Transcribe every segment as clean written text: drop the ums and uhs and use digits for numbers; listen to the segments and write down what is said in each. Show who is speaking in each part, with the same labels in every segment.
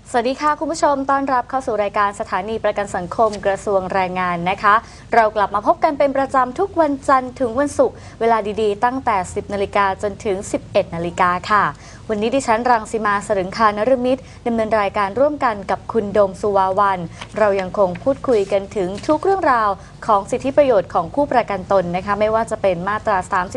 Speaker 1: สวัสดีค่ะคุณผู้ชมต้อนรับเข้าสู่รายการสถานีประกันสังคมกระทรวงแรงงานนะคะเรากลับมาพบกันเป็นประจำทุกวันจันทร์ถึงวันศุกร์เวลาดีๆตั้งแต่ 10 นาฬิกาจนถึง 11 นาฬิกาค่ะวันนี้ดิฉันรังสีมาสรึงคานฤมิตรดำเนินรายการร่วมกันกับคุณโดมสุวาวันเรายังคงพูดคุยกันถึงทุกเรื่องราวของสิทธิประโยชน์ของผู้ประกันตนนะคะไม่ว่าจะเป็นมาตรา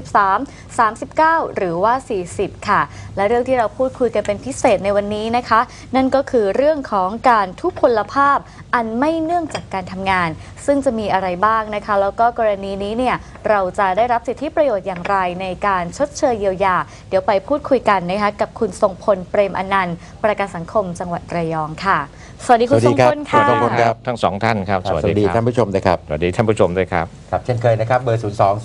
Speaker 1: 33 39 หรือว่า 40 ค่ะและเรื่องที่เราพูดคุยกันเป็นพิเศษในวันนี้นะคะนั่นก็คือเรื่องของการทุพพลภาพอันไม่เนื่องจากการทำงานซึ่งจะมีอะไรบ้างนะคะแล้วก็กรณีนี้เนี่ยเราจะได้รับสิทธิประโยชน์อย่างไรในการชดเชยเยียวยาเดี๋ยวไปพูดคุยกันนะคะกับคุณทรงพลเปรมอนันต์ประกันสังคมจังหวัดระยองค่ะสวัสดีคุณทรงพลค่ะ
Speaker 2: สวัสดีครับทั้งสองท่านครับ
Speaker 3: สวัสดีท่านผู้ชมนะครับ
Speaker 2: สวัสดีท่านผู้ชมด้วยครับ
Speaker 3: ครับเช่นเคยนะครับเบอร์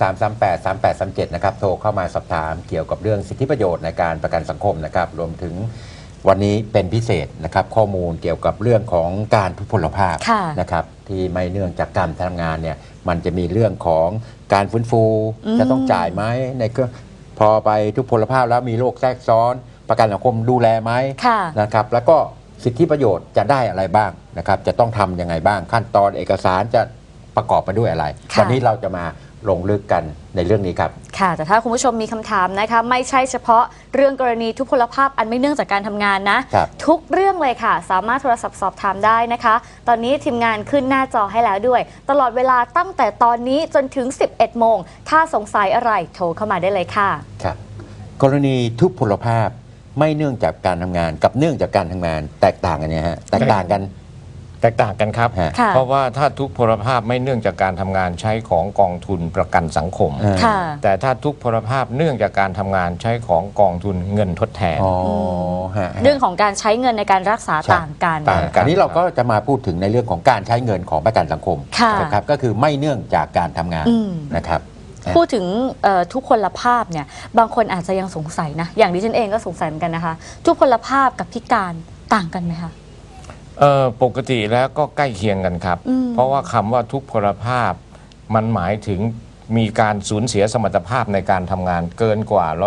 Speaker 3: 02-338-3837 นะครับโทรเข้ามาสอบถามเกี่ยวกับเรื่องสิทธิประโยชน์ในการประกันสังคมนะครับรวมถึงวันนี้เป็นพิเศษนะครับข้อมูลเกี่ยวกับเรื่องของการทุพพลภาพนะครับที่ไม่เนื่องจากการทำงานเนี่ยมันจะมีเรื่องของการฟื้นฟูจะต้องจ่ายไหมในพอไปทุพพลภาพแล้วมีโรคแทรกซ้อนประกันสังคมดูแลไหมนะครับแล้วก็สิทธิประโยชน์จะได้อะไรบ้างนะครับจะต้องทำยังไงบ้างขั้นตอนเอกสารจะประกอบไปด้วยอะไรวันนี้เราจะมาลงลึกกันในเรื่องนี้ครับ
Speaker 1: ค่ะแต่ถ้าคุณผู้ชมมีคำถามนะคะไม่ใช่เฉพาะเรื่องกรณีทุพพลภาพอันไม่เนื่องจากการทำงานนะทุกเรื่องเลยค่ะสามารถโทรศัพท์สอบถามได้นะคะตอนนี้ทีมงานขึ้นหน้าจอให้แล้วด้วยตลอดเวลาตั้งแต่ตอนนี้จนถึง 11 โมงถ้าสงสัยอะไรโทรเข้ามาได้เลยค่ะ
Speaker 3: ครับกรณีทุพพลภาพไม่เนื่องจากการทำงานกับเนื่องจากการทำงานแตกต่างกันเนี่ยฮะแตกต่างกัน
Speaker 2: ครับเพราะว่าถ้าทุพพลภาพไม่เนื่องจากการทำงานใช้ของกองทุนประกันสังคมแต่ถ้าทุพพลภาพเนื่องจากการทำงานใช้ของกองทุนเงินทดแทน
Speaker 1: เรื่องของการใช้เงินในการรักษาต่างกัน
Speaker 3: อันนี้เราก็จะมาพูดถึงในเรื่องของการใช้เงินของประกันสังคมนะครับก็คือไม่เนื่องจากการทำงานนะครับ
Speaker 1: พูดถึงทุพพลภาพเนี่ยบางคนอาจจะยังสงสัยนะอย่างดิฉันเองก็สงสัยเหมือนกันนะคะทุพพลภาพกับพิการต่างกันไหมคะ
Speaker 2: ปกติแล้วก็ใกล้เคียงกันครับเพราะว่าคำว่าทุพพลภาพมันหมายถึงมีการสูญเสียสมรรถภาพในการทำงานเกินกว่า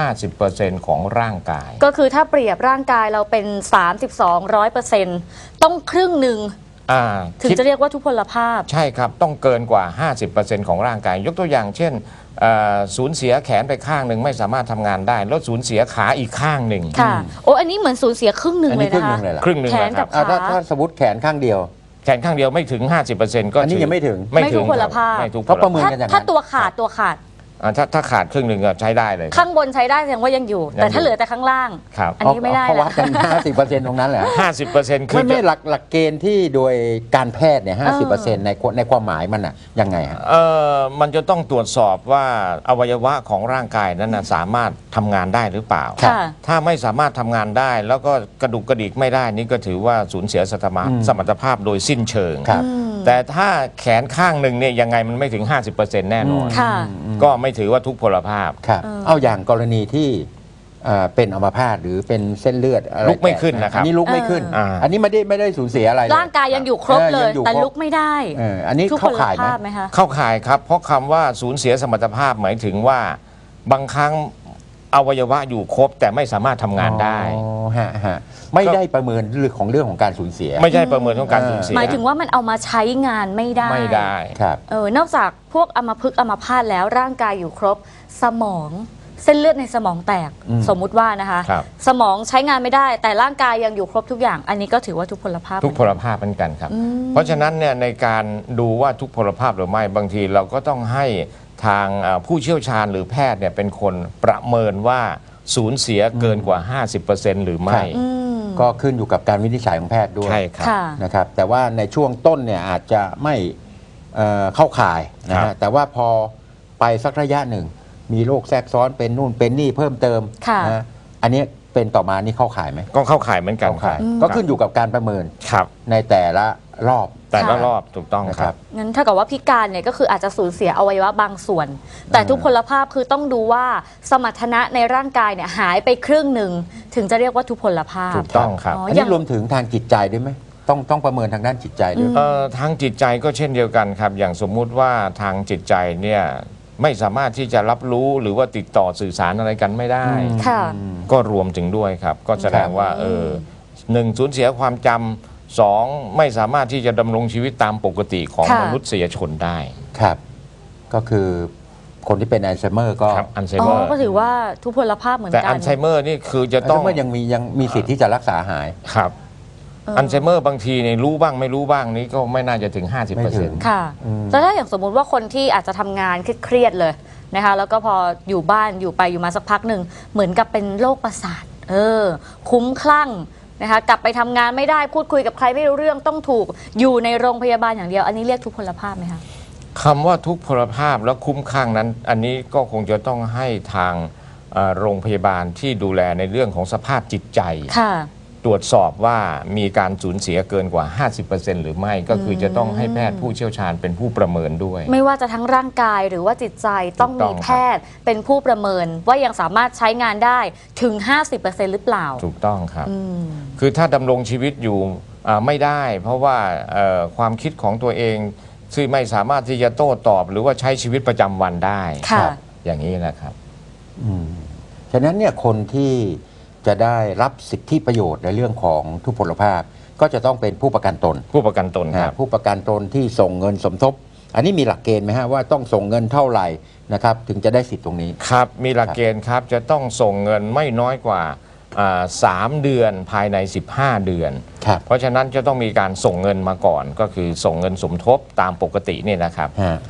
Speaker 2: 50%ของร่างกาย
Speaker 1: ก็คือถ้าเปรียบร่างกายเราเป็น 100%ต้องครึ่งหนึ่งถึงจะเรียกว่าทุพพลภาพ
Speaker 2: ใช่ครับต้องเกินกว่า 50% ของร่างกายยกตัวอย่างเช่นสูญเสียแขนไปข้างหนึ่งไม่สามารถทำงานได้แล้วสูญเสียขาอีกข้างหนึ่ง
Speaker 1: ค่ะโอ้อันนี้เหมือนสูญเสียครึ่งหนึ่งเลยนะคะ
Speaker 2: ครึ่งหนึ่ง
Speaker 1: แขนกับขา
Speaker 3: ถ้าสมมติแขนข้างเดียว
Speaker 2: ไม่ถึง 50% ก็
Speaker 3: อันนี้ยังไม่ถึง
Speaker 1: ทุพพลภาพ
Speaker 3: เพราะประเมินกันอย่างนั้น
Speaker 1: ถ้าตัวขาด
Speaker 2: ถ้าขาดครึ่งหนึ่งก็ใช้ได้เลย
Speaker 1: ข้างบนใช้ได้แสดงว่ายังอยู่แต่ถ้าเหลือแต่ข้างล่างอันนี้ไม่ได้
Speaker 3: เพราะว่ากัน 50% ตรงนั้นแหละ
Speaker 2: 50% คือ
Speaker 3: ไม่หลักเกณฑ์ที่โดยการแพทย์เนี่ย 50% ในความหมายมันอ่ะยังไงฮะ
Speaker 2: มันจะต้องตรวจสอบว่าอวัยวะของร่างกายนั้นสามารถทำงานได้หรือเปล่าถ้าไม่สามารถทำงานได้แล้วก็กระดุกกระดิกไม่ได้นี่ก็ถือว่าสูญเสียสมรรถภาพโดยสิ้นเชิงแต่ถ้าแขนข้างหนึ่งเนี่ยยังไงมันไม่ถึง 50% แน่นอนก็ไม่ถือว่าทุพพลภาพ
Speaker 3: เอาอย่างกรณีที่เป็นอัมพาตหรือเป็นเส้นเลือด
Speaker 2: ลุกไม่ขึ้นนะครับ
Speaker 3: อันนี้ลุกไม่ขึ้นอันนี้ไม่ได้สูญเสียอะไร
Speaker 1: ร่างกายยังอยู่ครบเลยแต่ลุกไม่ได้
Speaker 3: อันนี้เข้าข่ายไหม
Speaker 2: เข้าข่ายครับเพราะคำว่าสูญเสียสมรรถภาพหมายถึงว่าบางครั้งอวัยวะอยู่ครบแต่ไม่สามารถทำงานได้
Speaker 3: ไม่ได้ประเมินเรื่องของการสูญเสีย
Speaker 2: ไม่ใช่ประเมินของการสูญเสีย
Speaker 1: หมายถึงว่ามันเอามาใช้งานไม่ได้
Speaker 3: ครับ
Speaker 1: นอกจากพวกอัมพฤกษ์อัมพาตแล้วร่างกายอยู่ครบสมองเส้นเลือดในสมองแตกสมมุติว่านะคะสมองใช้งานไม่ได้แต่ร่างกายยังอยู่ครบทุกอย่างอันนี้ก็ถือว่าทุพพลภาพ
Speaker 2: ทุพพลภาพเหมือนกันครับเพราะฉะนั้นเนี่ยในการดูว่าทุพพลภาพหรือไม่บางทีเราก็ต้องให้ทางผู้เชี่ยวชาญหรือแพทย์เนี่ยเป็นคนประเมินว่าสูญเสียเกินกว่า 50% หรือไม่
Speaker 3: ก็ขึ้นอยู่กับการวินิจฉัยของแพทย์ด้วย
Speaker 2: ใช่ครับ
Speaker 3: นะครับแต่ว่าในช่วงต้นเนี่ยอาจจะไม่เข้าข่ายนะฮะแต่ว่าพอไปสักระยะหนึ่งมีโรคแทรกซ้อนเป็นนู่นเป็นนี่เพิ่มเติมนะอันนี้เป็นต่อมานี่เข้าข่ายไหม
Speaker 2: ก็เข้าข่ายเหมือนกัน
Speaker 3: ก็ขึ้นอยู่กับการประเมินในแต่ละรอบ
Speaker 2: ถูกต้องครับ
Speaker 1: งั้นถ้ากับว่าพิการเนี่ยก็คืออาจจะสูญเสียอวัยวะบางส่วนแต่ทุพพลภาพคือต้องดูว่าสมรรถนะในร่างกายเนี่ยหายไปครึ่งหนึ่งถึงจะเรียกว่าทุพพลภาพ
Speaker 2: ถูกต้องครับ
Speaker 3: อันนี้รวมถึงทางจิตใจด้วยไหมต้องประเมินทางด้านจิตใจด้วย
Speaker 2: ทางจิตใจก็เช่นเดียวกันครับอย่างสมมุติว่าทางจิตใจเนี่ยไม่สามารถที่จะรับรู้หรือว่าติดต่อสื่อสารอะไรกันไม่ได้ก็รวมถึงด้วยครับก็แสดงว่า 1 สูญเสียความจำ 2 ไม่สามารถที่จะดำรงชีวิตตามปกติของ
Speaker 1: ค่ะ
Speaker 2: มนุษยชนได้
Speaker 3: ครับ ก็คือคนที่เป็นอัลไซเมอร์ก็
Speaker 2: ครับอัลไซ
Speaker 1: อ๋
Speaker 2: เมอ
Speaker 1: อ
Speaker 2: ร์
Speaker 1: ก็ถือว่าทุพพลภาพเหมือน
Speaker 2: แต่
Speaker 1: กั
Speaker 2: อั
Speaker 1: น
Speaker 2: ลไซเมอร์นี่คือจะ
Speaker 3: อัล
Speaker 2: ต้
Speaker 3: ไซ
Speaker 2: อง
Speaker 3: เมอร์ยังมีสิทธิ์ที่จะรักษาหาย
Speaker 2: ครับอัลไซเมอร์บางทีเนี่ยรู้บ้างไม่รู้บ้างนี้ก็ไม่น่าจะถึง
Speaker 3: ไม่ถึง
Speaker 2: 50%
Speaker 1: ค่ะแล้วถ้าอย่างสมมุติว่าคนที่อาจจะทำงานเครียดๆเลยนะคะแล้วก็พออยู่บ้านอยู่ไปอยู่มาสักพักหนึ่งเหมือนกับเป็นโรคประสาทคุ้มคลั่งนะคะกลับไปทำงานไม่ได้พูดคุยกับใครไม่รู้เรื่องต้องถูกอยู่ในโรงพยาบาลอย่างเดียวอันนี้เรียกทุพพลภาพไหมคะ
Speaker 2: คำว่าทุกพลภาพและคุ้มข้างนั้น อันนี้ก็คงจะต้องให้ทางโรงพยาบาลที่ดูแลในเรื่องของสภาพจิตใจ
Speaker 1: ค่ะ
Speaker 2: ตรวจสอบว่ามีการสูญเสียเกินกว่า 50% หรือไม่ก็คือจะต้องให้แพทย์ผู้เชี่ยวชาญเป็นผู้ประเมินด้วย
Speaker 1: ไม่ว่าจะทั้งร่างกายหรือว่าจิตใจต้อง
Speaker 2: ถูกต้
Speaker 1: มี
Speaker 2: อง
Speaker 1: แพทย์เป็นผู้ประเมินว่ายังสามารถใช้งานได้ถึง 50% หรือเปล่า
Speaker 2: ถูกต้องครับ
Speaker 1: อืม
Speaker 2: คือถ้าดำรงชีวิตอยู่ไม่ได้ เพราะว่าความคิดของตัวเองซึ่งไม่สามารถที่จะโต้ตอบ หรือว่าใช้ชีวิตประจำวันได้
Speaker 1: ค่ะ
Speaker 2: อย่างนี้นะครับ
Speaker 3: ฉะนั้นเนี่ยคนที่จะได้รับสิทธิประโยชน์ในเรื่องของทุพพลภาพ ก็จะต้องเป็นผู้ประกันตน
Speaker 2: ผู้ประกันตนครับ
Speaker 3: ผู้ประกันตนที่ส่งเงินสมทบ อันนี้มีหลักเกณฑ์ไหมฮะว่าต้องส่งเงินเท่าไหร่นะครับถึงจะได้สิทธิ์ตรงนี้
Speaker 2: ครับ มีหลักเกณฑ์ครับ จะต้องส่งเงินไม่น้อยกว่า3 เดือนภายใน 15 เดือน
Speaker 3: ครับ
Speaker 2: เพราะฉะนั้นจะต้องมีการส่งเงินมาก่อน ก็คือส่งเงินสมทบตามปกติเนี่ยนะครับ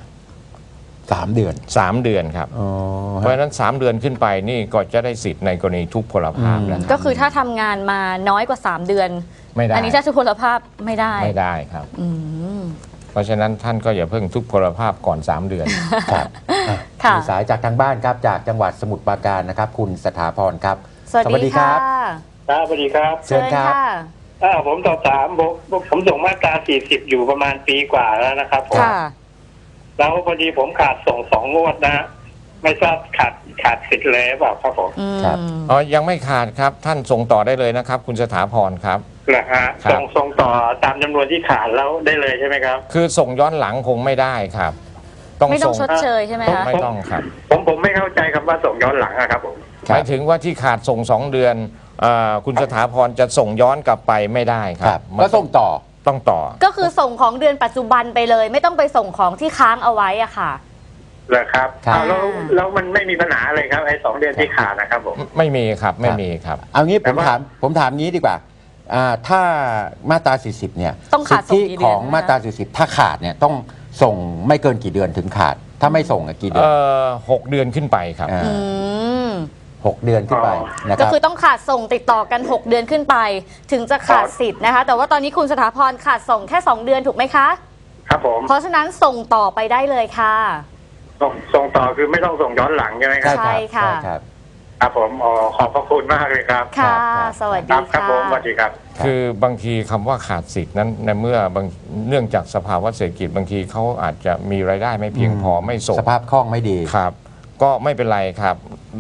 Speaker 3: 3 เดือน
Speaker 2: 3 เดือนครับ
Speaker 3: อ๋อ
Speaker 2: เพราะฉะนั้น 3 เดือนขึ้นไปนี่ก็จะได้สิทธิ์ในกรณีทุพพลภาพนะค
Speaker 1: ก็
Speaker 2: รับ
Speaker 1: คือถ้าทำงานมาน้อยกว่า 3 เดือน
Speaker 2: ไม่ได้
Speaker 1: อันนี้ถ้าทุพพลภาพไม่ได้
Speaker 2: ไม่ได้ครับ
Speaker 1: อืม
Speaker 2: เพราะฉะนั้นท่านก็อย่าเพิ่งทุพพลภาพก่อน 3 เดือน
Speaker 3: ครับอ่ะ
Speaker 1: ค่ะ
Speaker 3: มีสายจากทางบ้านครับจากจังหวัดสมุทรปราการนะครับคุณสถาพรครับ
Speaker 1: สวัสดีค่ะ
Speaker 4: ครับสวัสดีครับ
Speaker 3: เชิญครับ
Speaker 4: ผมสอบถามผมส่งมาตรา 40 อยู่ประมาณปีกว่าแล้วนะครับผม
Speaker 1: ค่ะ
Speaker 4: แล้วพอดีผมขาดส่ง2 งวดนะ ไม่ทราบขาดสิทธิ์เลยหรือเปล่าครับผม
Speaker 1: อืม
Speaker 3: ครับ
Speaker 2: อ๋อ ยังไม่ขาดครับ ท่านส่งต่อได้เลยนะครับ คุณสถาพรครับ
Speaker 4: เหรอฮะ
Speaker 2: ครับ
Speaker 4: ส่งต่อตามจำนวนที่ขาดแล้วได้เลยใช่ไหมครับ
Speaker 2: คือส่งย้อนหลังคงไม่ได้ครับ ต้อง
Speaker 1: ไม่ต้อ
Speaker 2: ส่
Speaker 1: ง
Speaker 2: ง
Speaker 1: ชดเชยใช่ไหมคะ
Speaker 2: ไม่ต้องครับ
Speaker 4: ผมไม่เข้าใจคำว่าส่งย้อนหลังอะครับผม
Speaker 2: หมายถึงว่าที่ขาดส่ง 2 เดือนคุณสถาพรจะส่งย้อนกลับไปไม่ได้ค
Speaker 3: ค
Speaker 2: รั
Speaker 3: รั
Speaker 2: บบ มัน
Speaker 3: ก็ส่งต่อ
Speaker 2: ต้องต่อ
Speaker 1: ก็คือส่งของเดือนปัจจุบันไปเลย ไม่ต้องไปส่งของที่ค้างเอาไว้อะค่ะ
Speaker 4: เหรอครับ
Speaker 3: ครับ
Speaker 4: อ้าวแล้วมันไม่มีปัญหาอะไรครับไอ้2 เดือนที่ขาดนะครับผม
Speaker 2: ไม่มีครับ ไม่มีครับ
Speaker 3: เอางี้
Speaker 4: แต่ว่า
Speaker 3: ผมถามงี้ดีกว่าถ้ามาตรา 40 เนี่ย
Speaker 1: ต้องขาดส่ง
Speaker 3: สิท
Speaker 1: กี่
Speaker 3: ธิ
Speaker 1: เดือน
Speaker 3: ของ
Speaker 1: นะคะ
Speaker 3: มาตรา 40 ถ้าขาดเนี่ยต้องส่งไม่เกินกี่เดือนถึงขาด ถ้าไม่ส่งอะกี่เดือน
Speaker 2: 6 เดือนขึ้นไปครับ
Speaker 3: อ่า
Speaker 1: อืม
Speaker 3: 6 เดือนขึ้นไปนะค
Speaker 1: ก็
Speaker 3: รับ
Speaker 1: คือต้องขาดส่งติดต่อกัน 6 เดือนขึ้นไป ถึงจะขาดสิทธิ์นะคะ แต่ว่าตอนนี้คุณสถาพรขาดส่งแค่ 2 เดือนถูกไหมคะ
Speaker 4: ครับผม
Speaker 1: เพราะฉะนั้นส่งต่อไปได้เลยค่ะ
Speaker 4: ส่งต่อคือไม่ต้องส่งย้อนหลังใช่ไหมครับ
Speaker 1: ใช่ค่ะ
Speaker 3: ใช่ครับ
Speaker 4: ครับผมขอบพระคุณมากเลยครับ
Speaker 1: ค่ะ
Speaker 3: ครับ
Speaker 1: สวัส
Speaker 4: ค
Speaker 1: ดี
Speaker 4: รับครับ
Speaker 1: ค่ะ
Speaker 4: ผมสวัสดีครับ
Speaker 2: คือบางทีคำว่าขาดสิทธินั้นในเมื่อบางเนื่องจากสภาวะเศรษฐกิจบางทีเขาอาจจะมีรายได้ไม่เพียงพอไม่ส่ง
Speaker 3: สภาพคล่องไม่ดี
Speaker 2: ครับ ก็ไม่เป็นไรครับ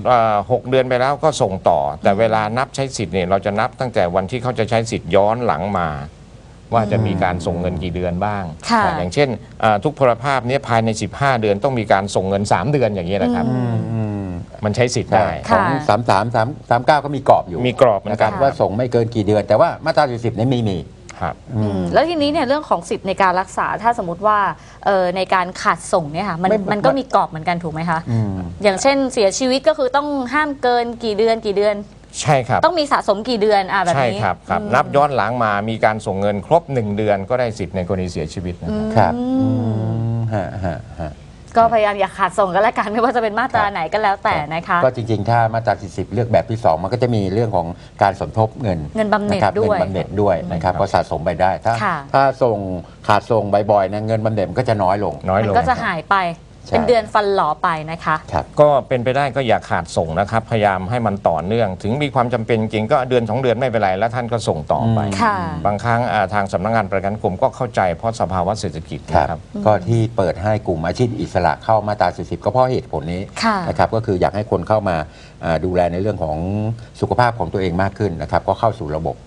Speaker 2: 6 เดือนไปแล้วก็ส่งต่อ แต่เวลานับใช้สิทธิ์เนี่ยเราจะนับตั้งแต่วันที่เขาจะใช้สิทธิ์ย้อนหลังมา ว่าจะมีการส่งเงินกี่เดือนบ้าง
Speaker 1: ค่ะ
Speaker 2: อย่างเช่นทุกพลภาพเนี้ภายใน 15 เดือนต้องมีการส่งเงิน 3 เดือนอย่างนี้ยนะครับ มันใช้สิทธิ์ได้
Speaker 3: ขอ
Speaker 1: ค่ะ
Speaker 3: ง3339 ก็มีกรอบอยู่
Speaker 2: มีกรอบเหมือน
Speaker 3: นะค
Speaker 2: กั
Speaker 3: รั
Speaker 2: น
Speaker 3: บว่าส่งไม่เกินกี่เดือน แต่ว่ามาตรา 40เนี่ยไม่มี
Speaker 2: ครับ
Speaker 1: แล้วทีนี้เนี่ยเรื่องของสิทธิ์ในการรักษาถ้าสมมติว่าในการขาดส่งเนี่ยค่ะมันก็มีกรอบเหมือนกันถูกไหมคะ อย่างเช่นเสียชีวิตก็คือต้องห้ามเกินกี่เดือน
Speaker 2: ใช่ครับ
Speaker 1: ต้องมีสะสมกี่เดือนแบบ
Speaker 2: ใช่
Speaker 1: นี้
Speaker 2: ครับครับ นับย้อนหลังมามีการส่งเงินครบ 1 เดือนก็ได้สิทธิ์ในกรณีเสียชีวิตนะครับ
Speaker 3: ครับ ฮะ
Speaker 1: ก็พยายามอย่าขาดส่งกันแล้วกันไม่ว่าจะเป็นมาตราไหนก็แล้วแต่นะคะ
Speaker 3: ก็จริงๆ ถ้ามาตรา 40 เลือกแบบที่ 2 มันก็จะมีเรื่องของการสมทบเงิน
Speaker 1: เงินบำเหน็จ
Speaker 3: ะครับ
Speaker 1: ด้วย
Speaker 3: เงินบำเหน็จด้วยนะครับก็สะสมไปได้
Speaker 1: ค่ะ
Speaker 3: ถ้าขาดส่งบ่อยๆนะเงินบำเหน็จมันก็จะน้อยลง
Speaker 2: น้อย
Speaker 1: มัน
Speaker 2: ลง
Speaker 1: ก็จะหายไป
Speaker 3: ใช่
Speaker 1: เป็นเดือนฟันหลอไปนะคะ
Speaker 3: ครับ
Speaker 2: ก็เป็นไปได้ก็อย่าขาดส่งนะครับ พยายามให้มันต่อเนื่อง ถึงมีความจำเป็นจริงก็เดือน 2 เดือนไม่เป็นไรแล้วท่านก็ส่งต่อไป
Speaker 1: ค่ะ
Speaker 2: บางครั้งทางสำนักงานประกันสังคมก็เข้าใจเพราะสภาวะเศรษฐกิจ
Speaker 3: ครับ
Speaker 2: นะครับ
Speaker 3: ก็ที่เปิดให้กลุ่มอาชีพอิสระเข้ามาตรา 40 ก็เพราะเหตุผลนี้
Speaker 1: ค่ะ
Speaker 3: นะครับก็คืออยากให้คนเข้ามาดูแลในเรื่องของสุขภาพของตัวเองมากขึ้นนะครับก็เข้าสู่ระบบ